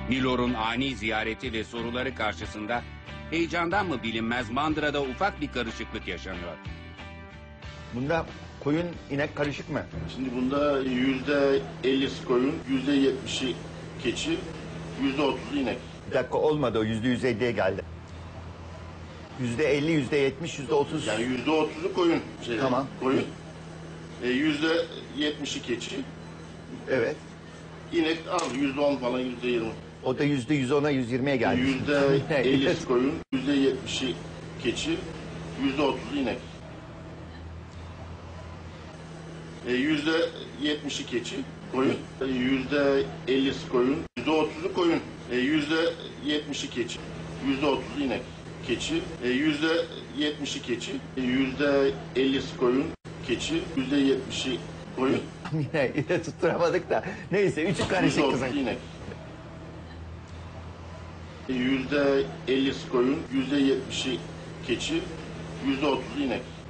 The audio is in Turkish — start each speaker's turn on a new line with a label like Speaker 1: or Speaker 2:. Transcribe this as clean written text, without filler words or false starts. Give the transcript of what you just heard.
Speaker 1: Milor'un ani ziyareti ve soruları karşısında heyecandan mı bilinmez mandırada ufak bir karışıklık yaşanıyor.
Speaker 2: Bunda koyun inek karışık mı?
Speaker 3: Şimdi bunda %50'si koyun, %70'i keçi, %30'u inek.
Speaker 2: Bir dakika olmadı, o %150'ye geldi. %50, %70, %30.
Speaker 3: Yani %30'u koyun.
Speaker 2: Tamam.
Speaker 3: Koyun. %70'i keçi.
Speaker 2: Evet.
Speaker 3: İnek al %10 falan %20.
Speaker 2: O da %110'a, %120'ye geldi.
Speaker 3: %50'si koyun, %70'i keçi, %30'u inek. %70'i keçi, koyun, %50'si koyun, %30'u koyun, %70'i keçi, %30'u inek. Keçi, %70'i keçi, %50'si koyun, keçi, %70'i koyun,
Speaker 2: Yine tutturamadık da. Neyse, üçü karışık kızım.
Speaker 3: %30'u inek. %50'si koyun, %70'i keçi, %30'u inek.